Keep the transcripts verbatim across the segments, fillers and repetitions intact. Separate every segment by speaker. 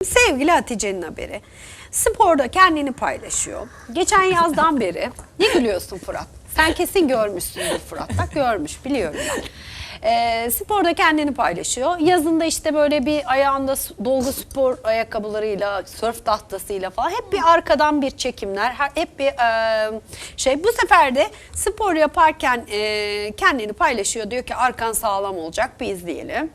Speaker 1: Sevgili Hatice'nin haberi. Sporda kendini paylaşıyor. Geçen yazdan beri. Ne gülüyorsun Fırat? Sen kesin görmüşsündür Fırat. Bak görmüş, biliyorum ben. Ee, sporda kendini paylaşıyor. Yazında işte böyle bir ayağında dolgu spor ayakkabılarıyla, sörf tahtasıyla falan hep bir arkadan bir çekimler, hep bir e, şey. Bu sefer de spor yaparken e, kendini paylaşıyor. Diyor ki arkan sağlam olacak, bir izleyelim.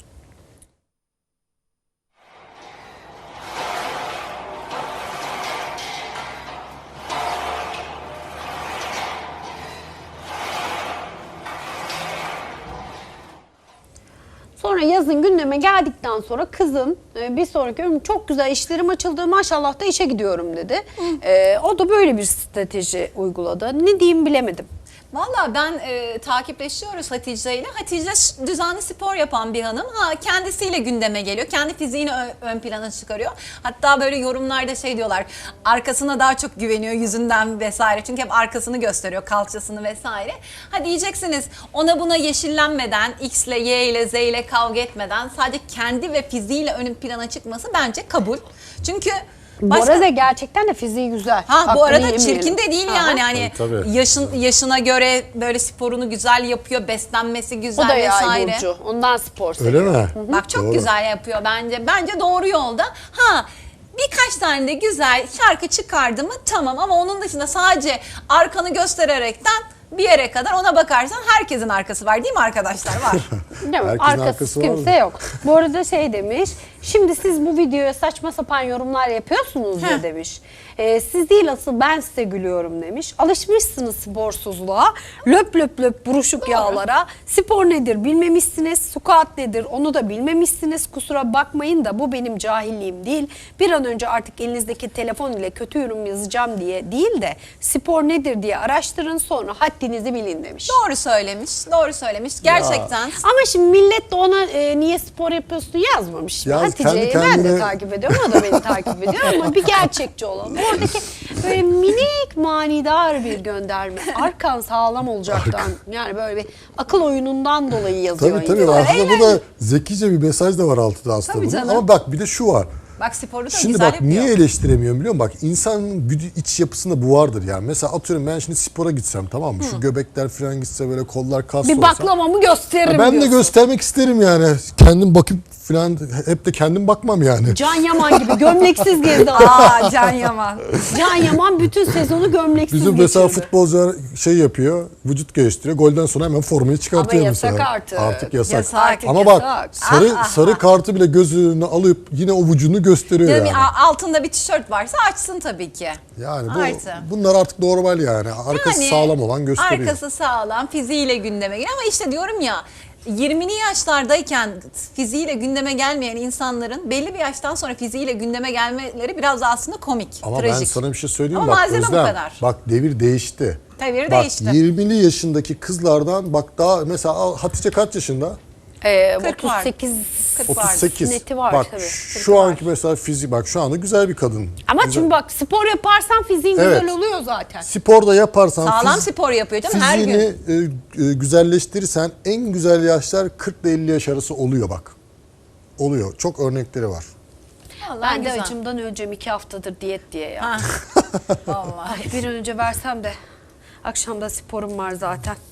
Speaker 1: Sonra yazın gündeme geldikten sonra kızın bir sonraki ömrüm çok güzel işlerim açıldı, maşallah da işe gidiyorum dedi. Ee, o da böyle bir strateji uyguladı. Ne diyeyim bilemedim.
Speaker 2: Valla ben e, takipleşiyoruz Hatice ile. Hatice düzenli spor yapan bir hanım. Ha, kendisiyle gündeme geliyor. Kendi fiziğini ön, ön plana çıkarıyor. Hatta böyle yorumlarda şey diyorlar. Arkasına daha çok güveniyor yüzünden vesaire. Çünkü hep arkasını gösteriyor, kalçasını vesaire. Ha diyeceksiniz ona buna yeşillenmeden, X ile Y ile Z ile kavga etmeden sadece kendi ve fiziğiyle ön plana çıkması bence kabul. Çünkü
Speaker 1: Başka... Bu arada gerçekten de fiziği güzel.
Speaker 2: Ha
Speaker 1: Hakkını
Speaker 2: bu arada
Speaker 1: yemeyelim.
Speaker 2: çirkin de değil yani. Hani
Speaker 3: tabii, tabii.
Speaker 2: yaşın yaşına göre böyle sporunu güzel yapıyor, beslenmesi güzel
Speaker 1: o da yay
Speaker 2: vesaire.
Speaker 1: burcu. Ondan spor
Speaker 3: Öyle
Speaker 1: seviyor.
Speaker 3: mi?
Speaker 2: Hı-hı. Bak çok
Speaker 3: Doğru.
Speaker 2: güzel yapıyor bence. Bence doğru yolda. Ha birkaç tane de güzel şarkı çıkardı mı tamam, ama onun dışında sadece arkanı göstererekten bir yere kadar ona bakarsan herkesin arkası var değil mi arkadaşlar? Var.
Speaker 1: Değil mi?
Speaker 3: Herkesin
Speaker 1: Arkası
Speaker 3: arkası
Speaker 1: kimse
Speaker 3: var.
Speaker 1: yok. Bu arada şey demiş, şimdi siz bu videoya saçma sapan yorumlar yapıyorsunuz ya demiş. Ee, siz değil asıl ben size gülüyorum demiş. Alışmışsınız sporsuzluğa, löp löp löp buruşuk
Speaker 2: Doğru.
Speaker 1: yağlara. Spor nedir bilmemişsiniz, squat nedir onu da bilmemişsiniz. Kusura bakmayın da bu benim cahilliğim değil. Bir an önce artık elinizdeki telefon ile kötü yorum yazacağım diye değil de spor nedir diye araştırın, sonra haddinizi bilin demiş.
Speaker 2: Doğru söylemiş. Doğru söylemiş. Gerçekten.
Speaker 1: Ama şimdi millet de ona e, niye spor yapıyorsun yazmamış.
Speaker 3: Ya
Speaker 1: Hatice'yi
Speaker 3: kendi
Speaker 1: ben de
Speaker 3: kendine-
Speaker 1: takip ediyorum, o da beni takip ediyor ama bir gerçekçi olan. Oradaki böyle minik manidar bir gönderme. Arkan sağlam olacaktan, yani böyle bir akıl oyunundan dolayı yazıyor.
Speaker 3: Tabii tabii.
Speaker 1: insan.
Speaker 3: Aslında bu da zekice bir mesaj da var altında aslında
Speaker 2: Tabii
Speaker 3: bunun.
Speaker 2: canım.
Speaker 3: Ama bak bir de şu var.
Speaker 2: Bak sporu da
Speaker 3: Şimdi
Speaker 2: güzel
Speaker 3: bak
Speaker 2: yapıyor.
Speaker 3: niye eleştiremiyorum biliyor musun? Bak insanın güdü, iç yapısında bu vardır yani. Mesela atıyorum ben şimdi spora gitsem, tamam mı? Şu göbekler falan gitse, böyle kollar kaslı
Speaker 1: Bir
Speaker 3: olsa.
Speaker 1: baklavamı gösteririm
Speaker 3: Ya ben de
Speaker 1: diyorsun.
Speaker 3: göstermek isterim yani. Kendim bakıp falan hep de kendim bakmam yani.
Speaker 1: Can Yaman gibi gömleksiz gezdi.
Speaker 2: Aa Can Yaman.
Speaker 1: Can Yaman bütün sezonu gömleksiz
Speaker 3: Bizim mesela
Speaker 1: geçirdi.
Speaker 3: futbolcular şey yapıyor, vücut gösteriyor. Golden sonra hemen formayı çıkartıyor
Speaker 1: Ama yasak
Speaker 3: mesela.
Speaker 1: artık.
Speaker 3: Artık yasak.
Speaker 2: Yasak.
Speaker 3: Ama
Speaker 1: Yasak.
Speaker 3: bak sarı
Speaker 2: Ah, ah,
Speaker 3: sarı kartı bile göz önüne alıp yine o vücudunu gösteriyor
Speaker 2: Canım,
Speaker 3: yani.
Speaker 2: a- altında bir tişört varsa açsın tabii ki.
Speaker 3: Yani bu,
Speaker 2: Artı.
Speaker 3: bunlar artık normal yani. Arkası
Speaker 2: Yani
Speaker 3: sağlam olan gösteriyor.
Speaker 2: Arkası sağlam, fiziğiyle gündeme geliyor ama işte diyorum ya, yirmili yaşlardayken fiziğiyle gündeme gelmeyen insanların belli bir yaştan sonra fiziğiyle gündeme gelmeleri biraz da aslında komik,
Speaker 3: Ama
Speaker 2: trajik.
Speaker 3: ben sana bir şey söyleyeyim.
Speaker 2: Ama
Speaker 3: bak
Speaker 2: malzeme bu
Speaker 3: Özlem,
Speaker 2: kadar.
Speaker 3: bak devir değişti.
Speaker 2: Devir
Speaker 3: bak,
Speaker 2: değişti.
Speaker 3: yirmili yaşındaki kızlardan bak daha mesela al, Hatice kaç yaşında?
Speaker 1: Ee,
Speaker 2: kırk var.
Speaker 1: otuz sekiz
Speaker 2: kırk var.
Speaker 3: otuz sekiz.
Speaker 1: Neti var
Speaker 3: bak
Speaker 1: tabii.
Speaker 3: şu
Speaker 1: var.
Speaker 3: anki mesela fizik, bak şu anda güzel bir kadın.
Speaker 1: Ama
Speaker 3: Güzel.
Speaker 1: şimdi bak spor yaparsan fiziğin
Speaker 3: Evet.
Speaker 1: güzel oluyor zaten.
Speaker 3: Sporda yaparsan
Speaker 2: Sağlam
Speaker 3: fiz-
Speaker 2: spor yapıyor canım her
Speaker 3: fiziğini
Speaker 2: gün.
Speaker 3: e, e, güzelleştirirsen en güzel yaşlar kırk ile elli yaş arası oluyor bak. Oluyor. Çok örnekleri var.
Speaker 2: Vallahi
Speaker 1: Ben de
Speaker 2: güzel.
Speaker 1: acımdan öleceğim iki haftadır diyet diye ya.
Speaker 2: Ha. Vallahi.
Speaker 1: Bir an önce versem de akşamda sporum var zaten.